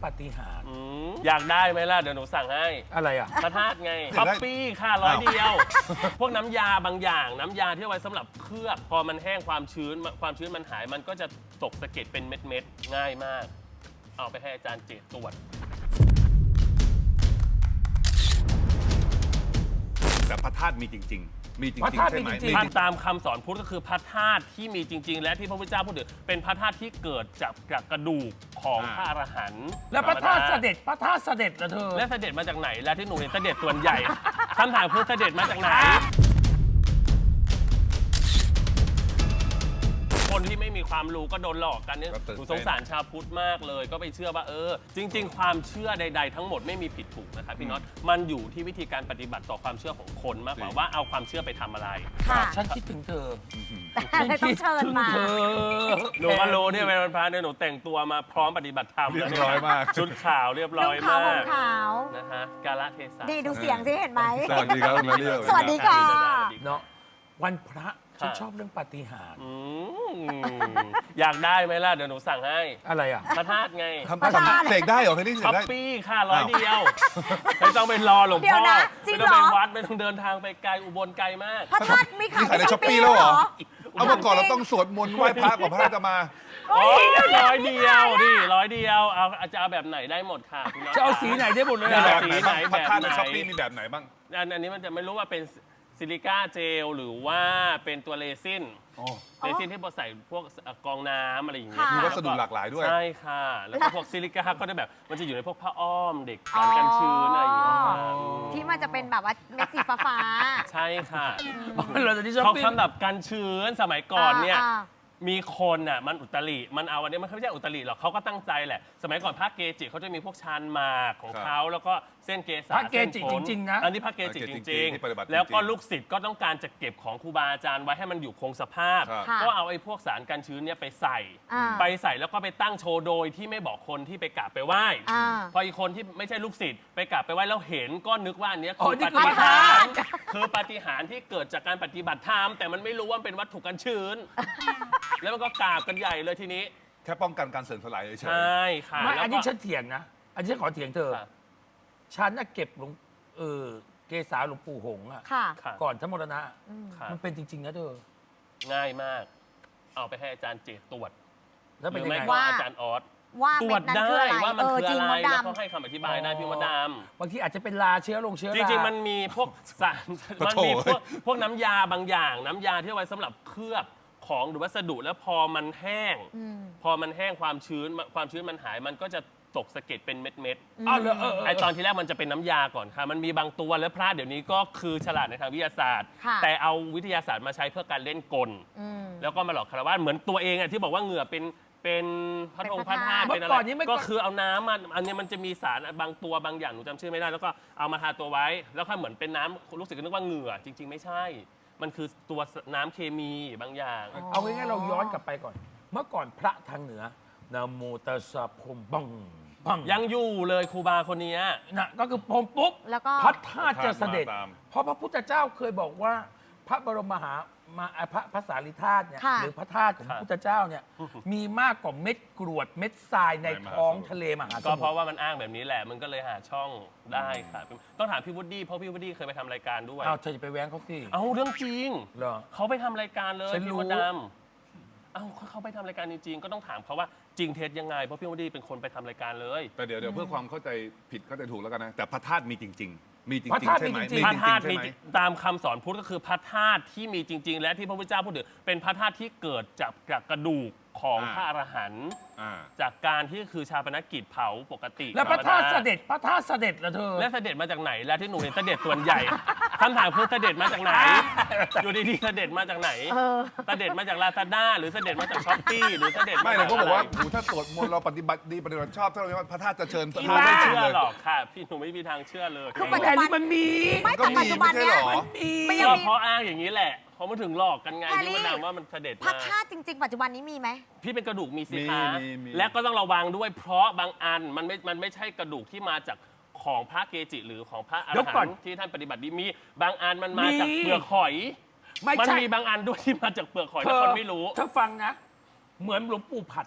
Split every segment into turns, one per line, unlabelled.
ปาฏิหาริย์
อยากได้ไหมล่ะเดี๋ยวหนูสั่งให้
อะไรอ่ะ
พระธาตุไงท็อปปี้ค่ะ100 เดียว พวกน้ำยาบางอย่างน้ำยาที่เอาไว้สำหรับเคลือบพอมันแห้งความชื้นมันหายมันก็จะตกสะเก็ดเป็นเม็ดๆง่ายมาก เอาไปให้อาจารย์เจตตรวจ
แต่พระธาตุมีจริง ๆ มีจริง
พระธาตุ
ใช่ไหม
มีจริง
ถ้าตามคำสอนพุทธก็คือพระธาตุที่มีจริง ๆ และที่พระพุทธเจ้าพูดถึงเป็นพระธาตุที่เกิดจากกระดูกของพระอรหันต์
แล้วพระธาตุเสด็จเหรอเธอ
และเสด็จมาจากไหนและที่หนูเห็นเสด็จส่วนใหญ่ คำถามคือเสด็จมาจากไหน คนที่ไม่มีความรู้ก็โดนหลอกกันเนี่ยหนูสงสารชาวพุทธมากเลย ก็ไปเชื่อว่าจริง ๆ ความเชื่อใด ๆ ทั้งหมดไม่มีผิดถูกนะครับพี่น็อตมันอยู่ที่วิธีการปฏิบัติต่อความเชื่อของคนมากกว่าว่าเอาความเชื่อไปทำอะไร
ค่ะ
ฉันคิดถึงเธอ
เลยต้องเชิญมา
เธอ
หนูก็รู้เนี่ยเป็นพระเนี่ยหนูแต่งตัวมาพร้อมปฏิบัติธรรม
เรียบร้อยมาก
ชุดขาวเรียบร้อย
นุ่งขาว
มาก
ห่มขาว
นะฮะกาลเทศะ
ดีดูเสียงสิเห็นไหม
สวัสดีครับมาเรียว
สวัสดีค่ะ
เนาะวันพระฉันชอบเรื่องปาฏิหาริย์
อยากได้ไหมล่ะเดี๋ยวหนูสั่งให้
อะไรอ่ะ
พระธาตุไง
ทำเสกได้เหรอเพลงนี้เส
ท็อก ป
ได้
ปี้ค่ะ100 เดียว ไม่ต้องไปรอหลวง
เดี๋ย
พ่
ว
อ
นะจริ
ไม่
ง
ต้อง
เหรอ
ไปวัดไม่ต้องเดินทางไปไกลอุบลไกลมาก
พระธาตุมีขาย
มีขายใน
ใน
ช้อป
Shopee
ปี้แล้วเหรอ
ด้วย
เอาเมื่อก่อนเราต้องสวดมนต์ไหว้พระก่อนพระจะมา
โอ้ย100 เดียวดิ100 เดียวเอาจะเอาแบบไหนได้หมดค่ะพี่น้อง
จะเอาสีไหนได้หมดเลย
มี
อะ
แบบ
ไหนบ้างพระธาตุในช้อปปี้มีแบบไหนบ้าง
อันนี้มันจะไม่รู้ว่าเป็นซิลิก้าเจลหรือว่าเป็นตัวเรซิน
อ๋อ
เรซินที่พอใส่พวกกรองน้ำอะไรอย่างเงี้ย
ค่ะ
มีวัสดุหลากหลายด้วย
ใช่ค่ะ แล้วก็พวกซิลิก้าก็จะแบบมันจะอยู่ในพวกผ้าอ้อมเด็กกันชื้นอะไรอย่างเงี้ยค่ะ
ที่มันจะเป็นแบบว่าเม็ดสีฟ้า
ใช่ค่ะ
เราจะที่ช้อป
เขา
ปิ้ง
สำหรับกันชื้นสมัยก่อนเนี่ย
อ่า
มีคนอ่ะมันอุตริมันเอาอันนี้มันไม่ใช่อุตริหรอกเขาก็ตั้งใจแหละ สมัยก่อนพระเกจิเขาจะมีพวกชานหมากของ
ครับ
เขาแล้วก็เส้นเกษา
พระเกจิ
ส้นผล
จริงๆนะ
อันนี้พระเกจิ
พระเกจิ
จริง
ที่ปฏิบัติ
ๆ แล้วก็
จริงๆ
ลูกศิษย์ก็ต้องการจะเก็บของครูบาอาจารย์ไว้ให้มันอยู่คงสภาพ
ครับ
ค่ะ
ก็เอาไอ้พวกสารกันชื้นเนี่ยไปใส่
อ่า
ไปใส่แล้วก็ไปตั้งโชว์โดยที่ไม่บอกคนที่ไปกราบไปไหว้
อ่า
พออีกคนที่ไม่ใช่ลูกศิษย์ไปกราบไปไหว้แล้วเห็นก็นึกว่าอันเนี้ย
อ๋อ
คือ
นี่
ปา
คือ
ฏิหาริย์คือปาฏิหาริย์ที่เกิดจากการปฏิบัติธรรมแต่มันไม่รู้ว่ามันเป็นวัตถุกันชื้น แล้วมันก็กราบกันใหญ่เลยทีนี้
แค่ป้องกันการเสื่อมสลายเฉย
ใช่ค่ะ
ไม่
แล้ว
อัน
ก็
นี้ฉันเถียงนะ อันนี้ฉันขอเถียงเธอ
ค่ะ
ฉันน่ะเก็บหลวงเกษาหลวงปู่หงส์อะ
ๆ ค่ะ
ค่ะ
ก่อนทั้งมรณะ
ค่ะ
มันเป็นจริง ๆ นะเธอ
ง่ายมาก เอาไปให้อาจารย์เจตตรวจ
แล้ว
ห
เป็น
รือ
ยัง
ไม่
ไง
ก็
ว่า
อาจารย์ออส
ว่า
ตร
เม็
ว
ด
จ
นั้น
ได้
คืออะไร
ว่ามันคือ
จริง
อะไร
มด
แล้ว
ดำ
เขาให้คำอธิบายได้พี่มดดำ
บางทีอาจจะเป็นลาเชื้อลงเชื้อ
จ
รา
ริงๆ มันมีพวกสาร
ปะ
มัน
โถ
มีพวกน้ำยาบางอย่าง น้ำยาที่เอาไว้สำหรับเคลือบของหรือวัสดุแล้วพอมันแห้ง พอมันแห้งความชื้นมันหายมันก็จะตกสะเก็ดเป็นเม็ด
อ้าวเหรอ
ๆไอตอนที่แรกมันจะเป็นน้ำยาก่อนค่ะ มันมีบางตัวแล้วพระเดี๋ยวนี้ก็คือฉลาดในทางวิทยาศาสตร์
ค่ะ
แต่เอาวิทยาศาสตร์มาใช้เพื่อการเล่นกล แล้วก็มาหลอกคารวะเหมือนตัวเองอะที่บอกว่าเหงื่อเป็นพระธงพระธาตุ
เมื่
เป็น
อ
อะไร
ก่อนนี้มันก็
ก็คือเอาน้ำมันอันนี้มันจะมีสารบางตัวบางอย่างหนูจำชื่อไม่ได้ แล้วก็เอามาทาตัวไว้ แล้วก็เหมือนเป็นน้ำรู้สึกนึกว่าเหงื่อจริง ๆ ไม่ใช่ มันคือตัวน้ำเคมีบางอย่าง
เอาง่ายๆเราย้อนกลับไปก่อน เมื่อก่อนพระทางเหนือนะโมตัสสะพรหมบังบัง
ยังอยู่เลยครูบาคนนี้
นะก็คือพรหมปุ๊บ
แล้วก็
พระธาตุจะเสด็จ
พระธาตุมาตาม
เพราะพระพุทธเจ้าเคยบอกว่า พระบรมมหามาพระสารีธาตุเนี่ย
ค่ะ
หรือพระธาตุของพระพุทธเจ้าเนี่ยมีมากกว่าเม็ดกรวดเม็ดทรายในท้องทะเลมหาส
ก็
มุ
เพราะ
ทร
ว่ามันอ้างแบบนี้แหละ มันก็เลยหาช่องได้ค่ะ ต้องถามพี่วูดดี้เพราะพี่วูดดี้เคยไปทำรายการด้วย
อ้าวเธอจะไปแว้งเขาสิ
เอาเรื่องจริง
เหรอ
เขาไปทำรายการเลย
ฉันรู้
พี่มดดำเอ้าเขาไปทำรายการจริงๆ ก็ต้องถามเขาว่าจริงเท็จยังไง เพราะพี่วูดดี้เป็นคนไปทำรายการเลย
แต่เดี๋ยวเพื่อความเข้าใจผิดเข้าใจถูกแล้วกันนะ แต่พระธาตุมีจริง ๆ มีจริ
พระ
ง
ธาตุ
ๆใช่ไหม
มีจริง
พระธาตุ
ใช่
มี
ไหม
ตามคำสอนพุทธก็คือพระธาตุที่มีจริง ๆ และที่พระพุทธเจ้าพูดถึงเป็นพระธาตุที่เกิดจากกระดูกของพระอรหันต์
อ่า
จากการที่คือชาปนกิจเผาปกติ
แล้วพระธาตุ
ธม
เส
ด
ด็จพระธาตุเสด็จเหรอเธอ
และเสด็จมาจากไหนและที่หนูเห็นเสด็จส่วนใหญ่ คำถามคือเสด็จมาจากไหน อยู่ดีๆเสด็จมาจากไหน เสด็จมาจากลาซาด้าหรือเสด็จมาจากช้อปปี้หรือเสด็จ
ไม่
มา
เรา
จาก
ก็บอกว่า
ะไร
โหถ้าสวดมนต์เราปฏิบัติดีปฏิบัติชอบถ้าเราไม่ว่าพระธาตุจะเชิญพระ
พี่
ธาตุ
ไม่
ไม่เชิญ
เชื่อ
เลย
หรอกค่ะ พี่หนูไม่มีทางเชื่อเลย
คือปัจจุ
แต่
บั
นี่มันมี
ไม่
ก็
แต่
มี
ปัจจุบันเนี้ย
ไม่ใช่หรอ
มันยัง
ก็
มี
เพราะอ้างอย่างนี้แหละเขามาถึงหลอกกันไง
แพรรี่
ที่มันดังว่ามันเสด็จ
พระ
มา
ธาตุจริง ๆ ปัจจุบันนี้มีไหม
พี่เป็นกระดูกมีสิ
มี
คะ
มี
และก็ต้องระวังด้วยเพราะบางอันมันไม่ใช่กระดูกที่มาจากของพระเกจิ หรือของพระอร
เดี๋ยวก่
หั
อน
นต์ที่ท่านปฏิบัติดีมีบางอันมันมาจาก
มี
เปลือกหอย
ไม่
มัน
ใช่
มีบางอันด้วยที่มาจากเปลือกหอย
เธ
แต่
อ
คนไม่รู้
เธอฟังนะ เหมือนหลวงปู่ผัดอะ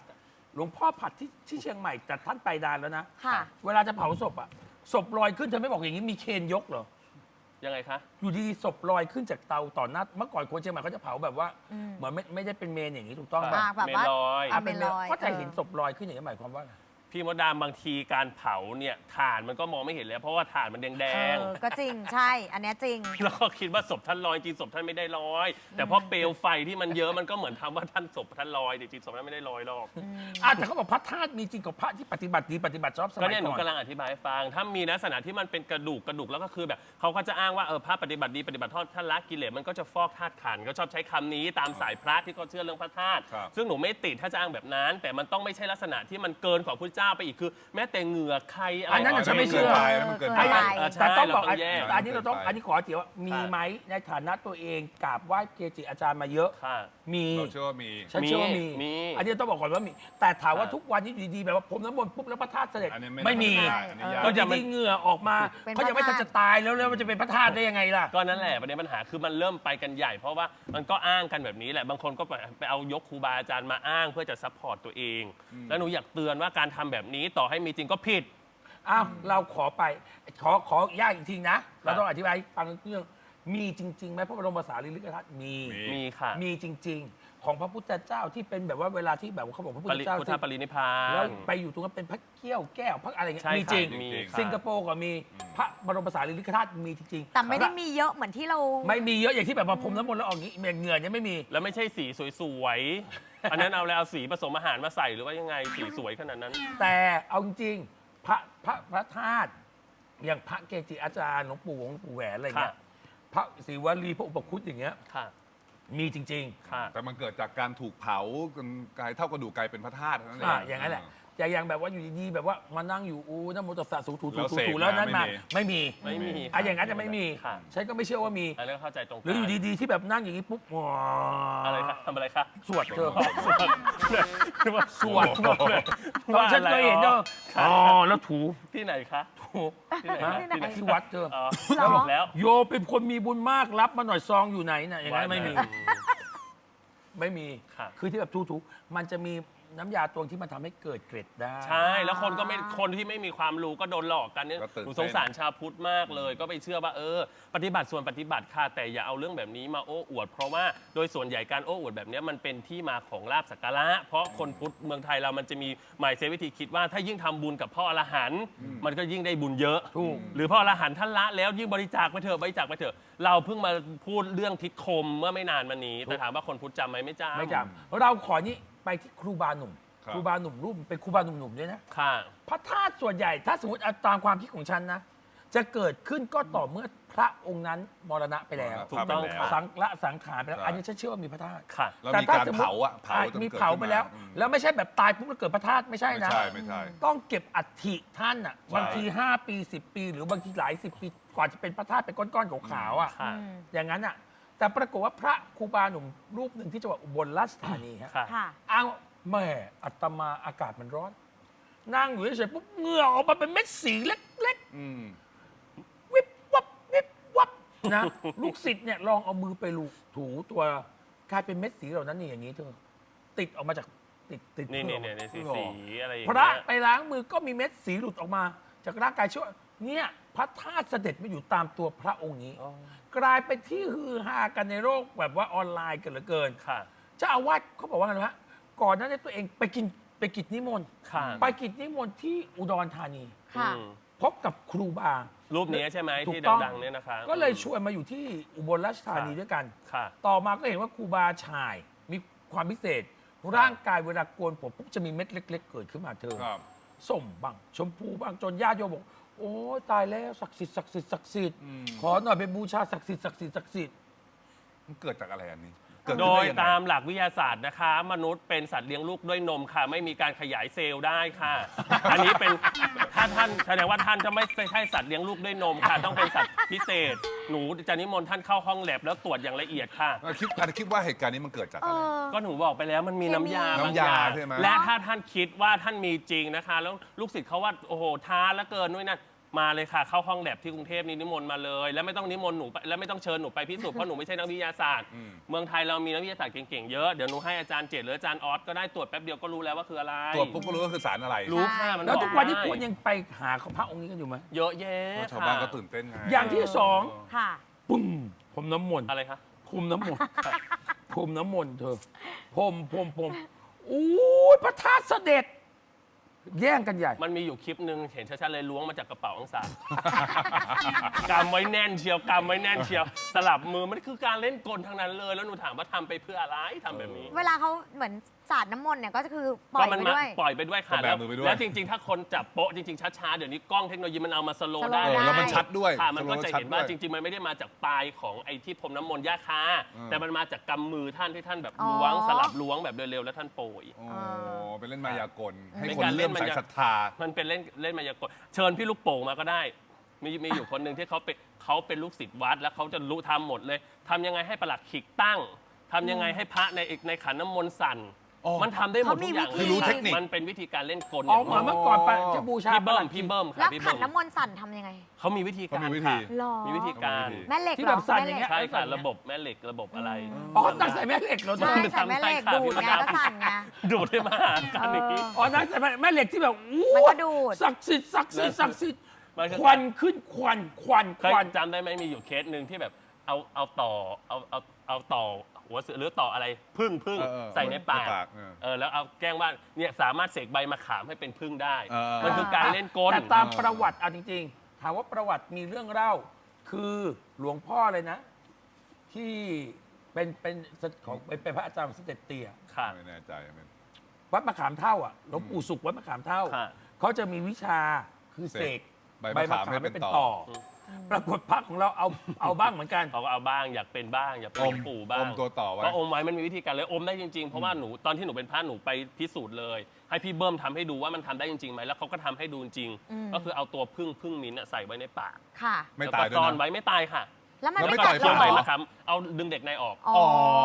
หลวงพ่อผัดที่เชียงใหม่แต่ท่านไปนานแล้วนะ
ค่ะ
เวลาจะเผาศพอะศพลอยขึ้นเธอไม่บอกอย่างนี้มีเคนยกเหรอ
ยังไงคะ
อยู่ดีๆศพลอยขึ้นจากเตาต่อหน้าเมื่อก่อนคนเชียงใหม่เขาจะเผาแบบว่า
อืม
เหมือนไม่ได้เป็นเมนอย่างนี้ถูกต้อง
อ่า
ป่ะ
แบบว่า
เมนลอย
เอาเป็นลอย
ก็จะเห็นศพลอยขึ้นอย่างนี้หมายความว่าอะไร
พี่มดดามบางทีการเผาเนี่ยถ่านมันก็มองไม่เห็นแล้วเพราะว่าถ่านมันแดง
ก็จริงใช่ อันเนี้ยจริง
ๆแล้วก็คิดว่าศพท่านลอยจริงศพท่านไม่ได้ลอย แต่เพราะเปลวไฟที่มันเยอะมันก็เหมือนทำว่าท่านศพท่านลอยแต่จริงศพท่านไม่ได้ลอยหรอก
แต่เขาบอกพระธาตุมีจริงกับพระที่ปฏิบัติดีปฏิบัติชอบส
ก็
มัย
เนี่ยหนู
ก่อน
กำลังอธิบายให้ฟัง ถ้ามีลักษณะที่มันเป็นกระดูกแล้วก็คือแบบเขาก็จะอ้างว่าพระปฏิบัติดีปฏิบัติทอดท่านละกิเลสมันก็จะฟอกธาตุขันธ์ก็ชอบใช้คำนี้ตามสายพระที่เขาเชื่อเรื่องพระธาตุ
ครับ
ซึ่งหนูไม่ติดถ้าจะอ้างแบบนั้น แต่มันต้องไม่ใช่ลักษณะที่มันเกินกว่าพระเจ้าไปอีกคือ แม้แต่เหงื่อใครอะไร
อันนั้นน่ะฉันไม่เชื่อ
มันเกิน
เอ
ไป
อ
แต่ต้องบอก
เราต้องแยก
แต่อันนี้เราต้องอันนี้ขอเถียงว่ามีไหมในฐานะตัวเองกราบไหว้เกจิอาจารย์มาเยอะ
ค่ะ
มี
เราเชื่อว่ามี
ฉันเชื่อว่ามี
มี
อันนี้ต้องบอกก่อนว่ามี แต่ถามว่า
ครับ
ทุกวันนี้อยู่ดีๆแบบว่าผมน้ำมนต์ปุ๊บแล้วพระธาตุเสด็จ
อันนี้
ไม่มี
อันนี้ยาก
ก็จะไม่เหงื่อออกมา
เป็น
เขายังไม่
พ
ทั
ระ
น
ธาตุ
จะตายแล้วมันจะเป็นพระธาตุได้ยังไงล่ะ
ก็นั่นแหละประเด็นปัญหาคือมันเริ่มไปกันใหญ่ เพราะว่ามันก็อ้างกันแบบนี้แหละบางคนก็ไปเอายกครูบาอาจารย์มาอ้างเพื่อจะซัพพอร์ตตัวเอง แล้วหนูอยากเตือนว่าการทำแบบนี้ต่อให้มีจริงก็ผิด
อ้าวเราขอไปขอยากอีกทีนะ เราต้องอธิบายให้ฟังเรื่องมีจริงๆไหมพระบรมสารีริกธาตุมี
มีค่ะ
มีจริง ๆ ของพระพุทธเจ้าที่เป็นแบบว่าเวลาที่แบบว่าเขาบอกพระพุทธเจ้า
พุทธ
ที่
ปรินิพพา
แล้ว
น
ไปอยู่ตรงนั้นเป็นพระเกี้ยวแก้วพระอะไรเงี้ย
ใช่
มี
ค่ะ
จริง
มีค่ะ
สิงคโปร์ก็มีพระบรมสารีริกธาตุมีจริงๆ
แต่ไม่ได้มีเยอะเหมือนที่เรา
ไม่มีเยอะอย่างที่แบบว่าผมน้ำมนต์แล้วออกนี้เหงื่อเนี่ยไม่มี
แล้วไม่ใช่สีสวยๆ อันนั้นเอาอะไรเอาสีผสมอาหารมาใส่หรือว่ายังไงสีสวยขนาดนั้น
แต่เอาจริงๆพระธาตุอย่างพระเกจิอาจารย์หลวงปู่หลวงปู่แหวนอะไรเงี้ย
ค่ะ
พระศิวลีพระอุปคุตอย่างเงี้ย
ค่ะ
มีจริง
ค่ะ
แต่มันเกิดจากการถูกเผาจนกลายเท่ากระดูกกลายเป็นพระธาตุเท่านั้น
ๆ
เอง
อย่างนั้นแหละแต่อย่างแบบว่าอยู่ดีๆแบบว่ามานั่งอยู่นะโมตัสสะสูถู
แล้วเสก
แล้วนั้นมา
มา
ไม่มี
ไม่มี
อย่างนั้นจะไม่มี
ค่ะ
ฉันก็ไม่เชื่อว่ามี
อันนี้นเข้าใจตรง
หรืออยู่ดีๆที่แบบนั่งอย่างนี้ปุ๊บว้า
อะไรคะทำอะไรคะ
สวดเธอ
สวด
ตอนฉันเคยเห็นเธออ๋อแล้วถู
ที่ไหนคะ
ถู
ที่ไหน
ฮะ
ที่ไหน
ที่วัดเธอ
อ๋อ
เหรอ
บอกแล้ว
โยเป็นคนมีบุญมากรับมาหน่อยซองอยู่ไหนน่ะอย่างนั้นไม่มี ไม่มี
ค่ะ
คือที่แบบถูๆมันจะมีน้ำยาตวงที่มันทำให้เกิดเกร็ดได้
ใช่ แล้วคนที่ไม่มีความรู้ก็โดนหลอกกันเนี่ย
ก็ตื่น
หนู
เต้น
สงสารชาวพุทธมากเลย ก็ไปเชื่อว่าปฏิบัติส่วนปฏิบัติค่ะแต่อย่าเอาเรื่องแบบนี้มาโอ้อวด เพราะว่าโดยส่วนใหญ่การโอ้อวดแบบเนี้ยมันเป็นที่มาของลาภสักการะเพราะคนพุทธเมืองไทยเรามันจะมีหมายเซวิธีคิดว่าถ้ายิ่งทำบุญกับพ่ออรหันต์มันก็ยิ่งได้บุญเยอะ
ถูก
หรือพ่ออรหันต์ท่านละแล้วยิ่งบริจาคไปเถอะบริจาคไปเถอะเราเพิ่งมาพูดเรื่องทิศคมเมื่อไม่นานมานี้แต่ถามว่าคนพุทธจำไหมไม่จำ
ไม่จำเราขอนี้ไปที่ครูบาหนุ่ม
ครับ
ครูบาหนุ่มรูปเป็นครูบาหนุ่มๆด้วยนะ
ค่ะ
พระธาตุส่วนใหญ่ถ้าสมมติเอาตามความคิดของฉันนะ จะเกิดขึ้นก็ต่อเมื่อพระองค์นั้นมรณะไปแล้ว
ถูกต้อง
แล้ว
ค่ะ
สังขารไปแล้ว
ใช่
อันนี้ฉันเชื่อว่ามีพระธาตุ
ค่ะ
แล้ว
แต่
มี
ถ้
การ
สมมุติ
เผาอะเผาจน
มี
เกิด
เผาไปแล้ว
ขึ้นมา
แล้วไม่ใช่แบบตายปุ๊บแล้วเกิดพระธาตุไม่ใช่
ไม่
นะ
ใช่ไม่ใช่
ต้องเก็บอัฐิท่านอ่ะบางที 5 ปี 10 ปี หรือบางทีหลาย 10 ปีกว่าจะเป็นพระธาตุเป็นก้อนๆขาวๆอ่ะ
ค่ะ
อย่างนั้นอ่ะแต่ปรากฏว่าพระครูบาหนุ่มรูปหนึ่งที่จังหวัดอุบลราชธานีฮะ
ค่ะ
ค่ะ
อ้าวแม่อาตมาอากาศมันร้อน นั่งอยู่เฉยๆปุ๊บเหงื่อออกมาเป็นเม็ดสีเล็ก
อืม
ๆ วิบวับวิบวับนะ ลูกศิษย์เนี่ยลองเอามือไปลูถูตัวกลายเป็นเม็ดสีเหล่านั้นนี่อย่างนี้เธอติดออกมาจากติด
นี่
เพื่
นี่
อ
นี่สี
เพื่อ
สีอะไรอย่าง
พ
เงี้
ระ
ย
ไปล้างมือก็มีเม็ดสีหลุดออกมา จากร่างกายช่วยเนี่ยพระธาตุเสด็จมาอยู่ตามตัวพระองค์นี้
อ๋อ
กลายเป็นที่ฮือฮากันในโลกแบบว่าออนไลน์กันเหลือเกิน
ค่ะ
เจ้าอาวาสเขาบอกว่าไงรู้ไหมก่อนหน้านี้ตัวเองไปกิจนิมนต์
ค่ะ
ไปกิจนิมนต์ที่อุดรธานี
ค่ะ
อืม
พบกับครูบา
รูปนี้ใช่ไหม
ถูก
ที่
ต้อง
ดังๆเนี่ยนะคะ
ก็เลยชวนมาอยู่ที่อุบลราชธานีด้วยกัน
ค่ะ
ต่อมาก็เห็นว่าครูบาชายมีความพิเศษ ร่างกายเวลาโกนผมปุ๊บจะมีเม็ดเล็ก ๆ เกิดขึ้นมาเธอ
ครับ
ส้มบ้างชมพูบ้างจนญาติโยมบอก โอ้ยตายแล้วศักดิ์สิทธิ์ศักดิ์สิทธิ์ศักดิ์สิทธิ์
อืม
ขอหน่อยไปบูชาศักดิ์สิทธิ์ศักดิ์สิทธิ์ศักดิ์สิทธิ์
มันเกิดจากอะไรอันนี้ เกิด
โด
ขึ้น
ย
ได้งไง
ตามหลักวิทยาศาสตร์นะคะ มนุษย์เป็นสัตว์เลี้ยงลูกด้วยนมค่ะ ไม่มีการขยายเซลล์ได้ค่ะ อันนี้เป็นถ้าท่านแสดงว่าท่านจะไม่ใช่สัตว์เลี้ยงลูกด้วยนมค่ะ ต้องเป็นสัตว์พิเศษ หนูจะนิมนต์ท่านเข้าห้องแลบแล้วตรวจอย่างละเอียดค่ะ
คิดว่าเหตุการณ์นี้มันเกิดจาก
เอ
อะไร
อ
ก็หนูบอกไปแล้วมันมีน้ำยา
น้ำยาใช่ไหม
และถ้าท่านคิดว่าท่านมีจริงนะคะ แล้วลูกศิษย์เขาว่าโอ้โหท้าแล้วเกินนู่นนั่นมาเลยค่ะเข้าห้องแลบที่กรุงเทพนี่นิมนต์มาเลย แล้วไม่ต้องนิมนต์หนูไปแล้วไม่ต้องเชิญหนูไปพิสูจน์เพราะหนูไม่ใช่นักวิทยาศาสตร์ เมืองไทยเรามีนักวิทยาศาสตร์เก่งๆเยอะเดี๋ยวหนูให้อาจารย์เจตหรืออาจารย์ออสก็ได้ตรวจแป๊บเดียวก็รู้แล้วว่าคืออะไร
ตรวจปุ๊บก็รู้ว่าคือสารอะไร
รู้ค่ะมัน
แล้ว
บอก
ทุกวันนี้
ได้
คนยังไปหาพระองค์นี้กันอยู่ไหม
เยอะแยะ
ชาว
ค่ะ
บ้านก็ตื่นเต้นไง
อย่างที่สอง
ค่ะ
ปุ้มพรมน้ำมนต์
อะไรคะ
พรมน้ำมนต์พรมน้ำมนต์เธอพรมอู้ยพระธาตุเสด็จ แย่งกันใหญ่
มันมีอยู่คลิปหนึ่งเห็นชัดๆเลยล้วงมาจากกระเป๋าอังสาร กำไว้แน่นเชียวกำไว้แน่นเชียว สลับมือมันคือการเล่นกลทั้งนั้นเลย แล้วหนูถามว่าทำไปเพื่ออะไรทำแบบนี้
เวลาเขาเหมือนสาดน้ำมนต์เนี่ยก็คือปล่
ก็
อย
มัน
ไป
มา
ด้วย
ปล่อยไปด้วยค่ะ
ก็แบมือไปด้วย
แล้วจริงๆ ถ้าคนจับโป๊ะจริงๆช้าๆเดี๋ยวนี้กล้องเทคโนโลยีมันเอามาสโลว์ได้
สโลว์ได้
แล้วมันชัดด้วย
ค่ะมันก็จะ
ชัด
เห็นว่า
ด้วย
จริงๆ มันไม่ได้มาจากปลายของไอ้ที่พรมน้ำมนต์ย่าคาแต่มันมาจากกำมือท่านที่ท่านแบบล้วงสลับล้วงแบบเร็วๆแล้วท่านโปรย
โอ้เป็นเล่นมายากล ให้
เป็น
คน
การเล่
เลื่อม
น
ใส
มายา
ศรัทธา
มันเป็นเล่นมายากลเชิญพี่ลูกโป่งมาก็ได้ มีอยู่คนหนึ่งที่เขาเป็นลูกศิษย์วัดแล้วเขาจะรู้ทำหมดเลยทำยังไงให้ประหลัดขิกตั้งทำยังไงให้พระในขันน้ำมนต์สั่น
อ๋อ
มันทำได้หมดทุกอย่าง
เขามีวิธี
คือรู้เทคนิค
มันเป็นวิธีการเล่นกล
อ๋อเหมือนเมื่อก่อนไปจะบูชา
พี่
ป
เบิ้
ระหลั
ม
ด
พี่เบิ้ม
แล้
ค่ะ
ว
พี่
ขั
เบิ้
น
ม
น้ำมนต์สั่นทำยังไง
เขามีวิธีการ
เขามีวิธี
ค่ะ
หรอ
มีวิธีการ
แม่เหล็ก
ที่
เหร
แบ
อบ
สั่น
แม่
อย่าง
เหล็
เงี้
ก
ย
ใช่ค่ะระบบแม่เหล็กระบบอะไร
อ๋อนักใส่แม่เหล็กเหรอเธ
ใช่
อ
ใส่แม่เหล็กดูดไงก็สั่นไง
ดูดให้มาหากันอย่างนี้
อ๋อนักใส่แม่เหล็กที่แบบอู้
มันก็ดูด
ศักดิ์สิทธิ์ศักดิ์สิทธิ์ศักดิ์สิทธิ์
มันก็
ควันขึ้นควันควัน
เค
ค
ย
วัน
จำได้ไหมมีอยู่เคสหนึ่งที่แบบเอาต่อเอาต่อหัวเสือหรือต่ออะไรพึ่ง
เออ
ใส่ในปาก
ในปากเออ
แล้วเอาแกล้งว่าเนี่ยสามารถเสกใบมะขามให้เป็นพึ่งได้
เออ
มันคือการเล่นกล
แต่ตามประวัติเอาจริงๆถามว่าประวัติมีเรื่องเล่า คือหลวงพ่อเลยนะ ที่เป็นของเป็นพระอาจารย์ของสมเด็จเตี่ย
ค่ะ
ไม่แน่ใจไม่
วัดมะขามเท่าอ่ะหลวงปู่สุขวัดมะขามเท่า
ค่ะ
เขาจะมีวิชาคือเสก
ใบมะขามให้เป็นต่อ
ปรากฏพระของเราเอาบ้างเหมือนกัน
เขาก็เอาบ้างอยากเป็นบ้างอยากเป็นหลวงปู่บ้าง
อมตัวต่อไว้
ก็อมไว้มันมีวิธีการเลยอมได้จริงๆ เพราะว่าหนูตอนที่หนูเป็นพระหนูไปพิสูจน์เลย ให้พี่เบิ้มทำให้ดูว่ามันทำได้จริงๆไหมแล้วเขาก็ทำให้ดูจริง ก็คือเอาตัวพึ่งมิ้นท์อะใส่ไว้ในปาก
ค่ะ
ไม่
แล้ว
ตาย
ก็
ด้วย
ซ่อน
นะ
ไว้ไม่ตายค่ะ
แล้วมัน
แล้ว
ไม่
ไม่
กัด
ต่อย
เหร
ช่วงใบ
อ
มะขามเอาดึงเด็กในออก
อ๋อ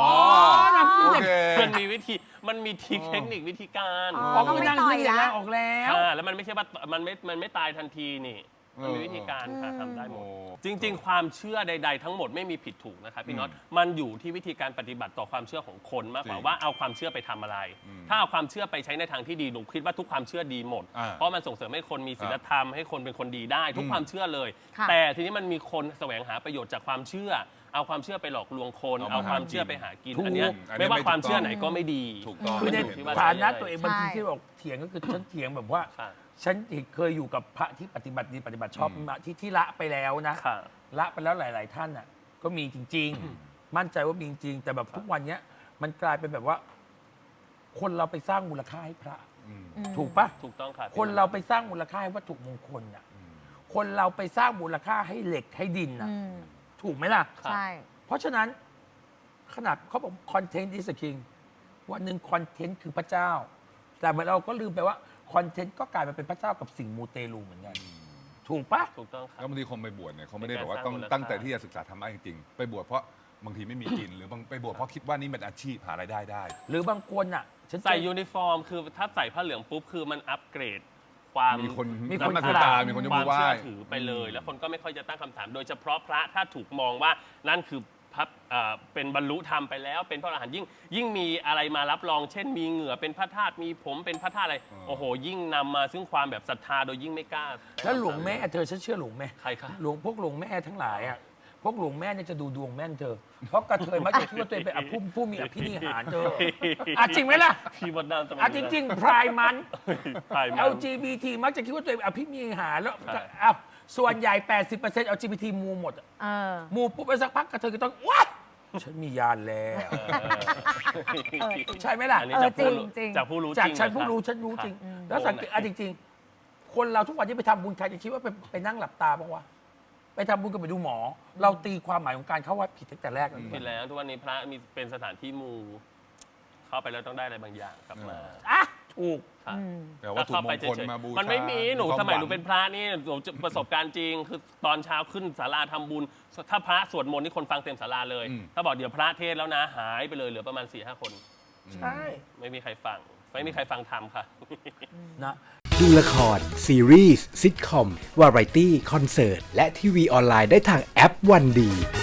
มันมีวิธีมันมีทริคเทคนิควิธีการ
อ๋อ
ออกนั่ง
ก็ไม่ต่อย
ยืน
ละ
ออกแล้ว
แล้วมันไม่ใช่ว่ามันไม่ตายทันทีนี่มันมีวิธีการค่ะทำได้หม
โอ้
ด จริง ๆ ความเชื่อใด ๆ ทั้งหมดไม่มีผิดถูกนะครับพี่น็อตมันอยู่ที่วิธีการปฏิบัติต่อความเชื่อของคนมากกว่า
จริง
ว่าเอาความเชื่อไปทำอะไร ถ้าเอาความเชื่อไปใช้ในทางที่ดีหนูคิดว่าทุกความเชื่อดีหมด
อ่า
เพราะมันส่งเสริมให้คนมีศีลธรรมให้คนเป็นคนดีได้ ทุกความเชื่อเลย
ค่ะ
แต่ทีนี้มันมีคนแสวงหาประโยชน์จากความเชื่อ เอาความเชื่อไปหลอกลวงคน
เอามา
เอาความเชื่อไปหากิน
ถูก
อันเนี้ย
อันนี้
ไม่ว่า
ไม่ถูก
ความเชื่อ
ต้อง
ไหนก็ไม่ดี
ถูกต้อง
คือใน
มันยู่ที่ว่า
ฐานะ
ใช้
ตัวเอง
ะไร
บางที
ใช่
ที่บอกเถียงก็คือฉันเถียงแบบว่า
ค่ะ
ฉันเคยอยู่กับพระที่ปฏิบัติดีปฏิบัติชอบมาที่ละไปแล้วนะ
ค่ะ
ละไปแล้วหลาย ๆ ท่านน่ะก็มีจริง ๆ มั่นใจว่ามีจริง แต่แบบทุกวันเนี้ยมันกลายเป็นแบบว่า คนเราไปสร้างมูลค่าให้พระ ถูกปะ
ถูกต้องค่ะ
คนเราไปสร้างมูลค่าให้วัตถุมงคลน่ะคนเราไปสร้างมูลค่าให้เหล็กให้ดินน่ะ
อืม
ถูกไหมล่ะ
ใช่
เพราะฉะนั้นขนาดเขาบอกคอนเทนต์ is a king วันหนึ่งคอนเทนต์คือพระเจ้า แต่เหมือนเราก็ลืมไปว่าคอนเทนต์ก็กลายมาเป็นพระเจ้ากับสิ่งมูเตลูเหมือนกัน ถูกปะ
ถูกต้องค่ะ
แล้วบางทีคนไปบวชเนี่ยเขาไม่ได้
เป็น
แบบ
การ
ว่าต้อง
สร้างมูลค่า
ตั้งใจที่จะศึกษาธรรมะจริงๆ ไปบวชเพราะบางทีไม่มีกิน หรือบางไปบวชเพราะคิดว่านี่เป็นอาชีพหารายได้ได้
หรือบางคนอ่ะฉันเจอ
ใส่ยูนิฟอร์มคือถ้าใส่ผ้าเหลืองปุ๊บคือมันอัปเกรด ความ
มีคน
มีคน
นับหน้าถือตา มีคนยก
ควา
มื
ม
อไหว้
เชื่อถือไปเลย แล้วคนก็ไม่ค่อยจะตั้งคำถาม โดยเฉพาะพระถ้าถูกมองว่านั่นคือพระเป็นบรรลุธรรมไปแล้ว เป็นพระอรหันต์ยิ่งมีอะไรมารับรอง เช่นมีเหงื่อเป็นพระธาตุมีผมเป็นพระธาตุอะไรโอ้โห ยิ่งนำมาซึ่งความแบบศรัทธาโดยยิ่งไม่กล้า
แล้วหลวงแม่เธอฉันเชื่อหลวงแม่
ใครคะ
พวกหลวงแม่ทั้งหลายอ่ะพวกหลวงแม่เนี่ยจะดูดวงแม่นเธอ เพราะกระเทยมักจะคิดว่าตัวเองเป็นผู้มีอภินิหารเธออ่ะจริงไหมล่ะ
พี่มดดำจะมา
อ่ะจริงๆพรายมัน
ถ่ายมา
LGBT มักจะคิดว่าตัวเองเป็นอภินิหารแล้ว
ใช่
อ้าวส่วนใหญ่ 80% LGBT มูหมดอะ
เออ
มูปุ๊บไปสักพักกระเทยก็ต้องว้าฉันมียานแล้ว ใช่ไหมล่ะ
อันนี้จากผู้รู้
จริงๆ
จากผู้รู้
จาก
จริง
ฉันผู้
ะ
รู้
คบ
ฉันรู้จริง
ค่ะ
แล้วสังเกตอ่ะจริงๆ คนเราทุกวันที่ไปทำบุญใครจะคิดว่าไปนั่งหลับตาบ้างวะไปทำบุญกับไปดูหมอ เราตีความหมายของการเข้าวัดผิดตั้งแต่แรกแล้ว
ผิดแล้วทุกวันนี้พระมีเป็นสถานที่มูเข้าไปแล้วต้องได้อะไรบางอย่างกลับมา
อ่ะถูก
ค่ะ
แต่ว่าถูกมงคลมาบูชา
มันไม่มีหนู
ความ
สมัย
หวัง
หนูเป็นพระนี่หนูประสบการณ์จริง คือตอนเช้าขึ้นศาลาทำบุญ ถ้าพระสวดมนต์นี่คนฟังเต็มศาลาเลย ถ้าบอกเดี๋ยวพระเทศน์แล้วนะหายไปเลยเหลือประมาณ 4-5 คน
ใช่
ไม่มีใครฟัง ไม่มีใครฟังธรรมค่ะ
นะ
ดูละคร ซีรีส์ซิทคอม วาไรตี้ คอนเสิร์ต และทีวีออนไลน์ได้ทางแอปวันดี